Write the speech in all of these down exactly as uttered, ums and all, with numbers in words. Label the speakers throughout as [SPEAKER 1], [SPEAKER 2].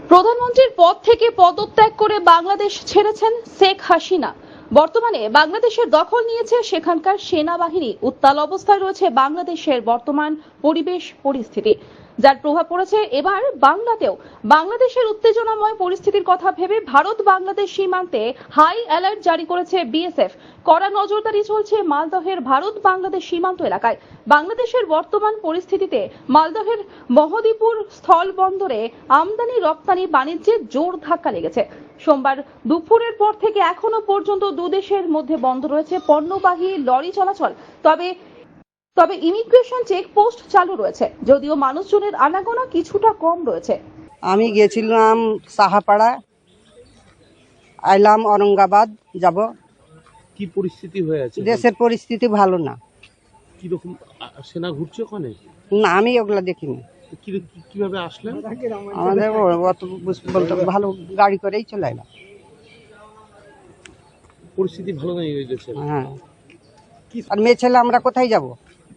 [SPEAKER 1] প্রধানমন্ত্রীর পদ থেকে পদত্যাগ করে বাংলাদেশ ছেড়েছেন শেখ হাসিনা। বর্তমানে বাংলাদেশের দখল নিয়েছে সেখানকার সেনাবাহিনী। উত্তাল অবস্থায় রয়েছে বাংলাদেশের বর্তমান পরিবেশ পরিস্থিতি, যার প্রভাব পড়েছে এবার বাংলাতেও। বাংলাদেশের উত্তেজনাময় পরিস্থিতির কথা ভেবে ভারত বাংলাদেশ সীমান্তে হাই অ্যালার্ট জারি করেছে বিএসএফ। কড়া নজরদারি চলছে মালদহের ভারত বাংলাদেশ সীমান্ত এলাকায়। বাংলাদেশের বর্তমান পরিস্থিতিতে মালদহের মহদীপুর স্থল বন্দরে আমদানি রপ্তানি বাণিজ্যে জোর ধাক্কা লেগেছে। সোমবার দুপুরের পর থেকে এখনো পর্যন্ত দুদেশের মধ্যে বন্ধ রয়েছে পণ্যবাহী লরি চলাচল। তবে তবে ইমিগ্রেশন চেকপোস্ট চালু রয়েছে, যদিও মানুষজনের আনাগোনা কিছুটা কম রয়েছে।
[SPEAKER 2] আমি গিয়েছিলাম সাহাপাড়া, আইলাম औरंगाबाद যাব।
[SPEAKER 3] কি পরিস্থিতি হয়ে আছে?
[SPEAKER 2] দেশের পরিস্থিতি ভালো না।
[SPEAKER 3] কি রকম সেনা ঘুরছে ওখানে?
[SPEAKER 2] না, আমি ওগুলা দেখিনি।
[SPEAKER 3] কি কিভাবে আসলেন?
[SPEAKER 2] আমাদের অত বলতে ভালো গাড়ি করেই চলে এলাম।
[SPEAKER 3] পরিস্থিতি ভালো নেই ওই দেশে।
[SPEAKER 2] হ্যাঁ, আর মেয়ে ছেলে আমরা কোথায় যাব?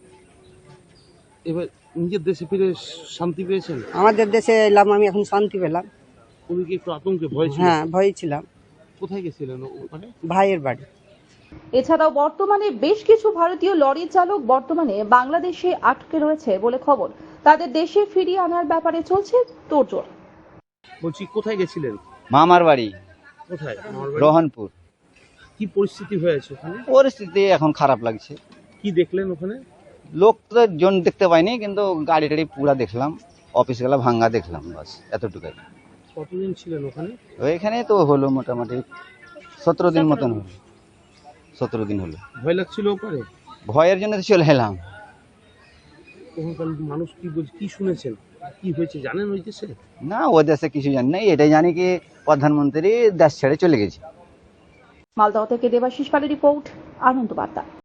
[SPEAKER 3] এবার নিজের দেশে ফিরে শান্তি পেয়েছেন?
[SPEAKER 2] আমাদের দেশে এলাম, আমি এখন শান্তি পেলাম।
[SPEAKER 3] উনি কি একটু আতঙ্কে ভয় ছিল?
[SPEAKER 2] হ্যাঁ, ভয় ছিলাম।
[SPEAKER 3] কোথায় গেছিলেন ওখানে?
[SPEAKER 2] ভাইয়ের বাড়ি।
[SPEAKER 1] এছাড়াও বর্তমানে বেশ কিছু ভারতীয় লরি চালক বর্তমানে বাংলাদেশে আটকে রয়েছে বলে খবর। তাদের দেশে ফিরিয়ে আনার ব্যাপারে চলছে তোড়জোড়।
[SPEAKER 3] বলছি কোথায় গেছিলেন?
[SPEAKER 4] মামার বাড়ি
[SPEAKER 3] কোথায়?
[SPEAKER 4] রোহনপুর।
[SPEAKER 3] কি পরিস্থিতি হয়েছে ওখানে?
[SPEAKER 4] পরিস্থিতি এখন খারাপ লাগছে।
[SPEAKER 3] কি দেখলেন ওখানে?
[SPEAKER 4] লোক তো জন দেখতে পাইনি, কিন্তু গাড়ি টাড়ি পুরা দেখলাম, অফিস গুলা ভাঙ্গা দেখলাম, বাস এতটুকুই।
[SPEAKER 3] কতদিন ছিলেন ওখানে?
[SPEAKER 4] ওইখানে তো হলো মোটামুটি সতেরো দিন মতন হলো। সতেরো দিন হলো।
[SPEAKER 3] ভয় লাগছিল ওখানে?
[SPEAKER 4] ভয়ের জন্য তো চলে এলাম।
[SPEAKER 3] ওখানকার মানুষ কি বলছে, কি শুনেছেন, কি হয়েছে জানেন ওই দেশে?
[SPEAKER 4] না, ও দেশে কিছু জানি না, এটাই জানি কি প্রধানমন্ত্রী দেশ ছেড়ে চলে গেছে।
[SPEAKER 1] মালদহ থেকে দেবাশিস পালের রিপোর্ট, আনন্দ বার্তা।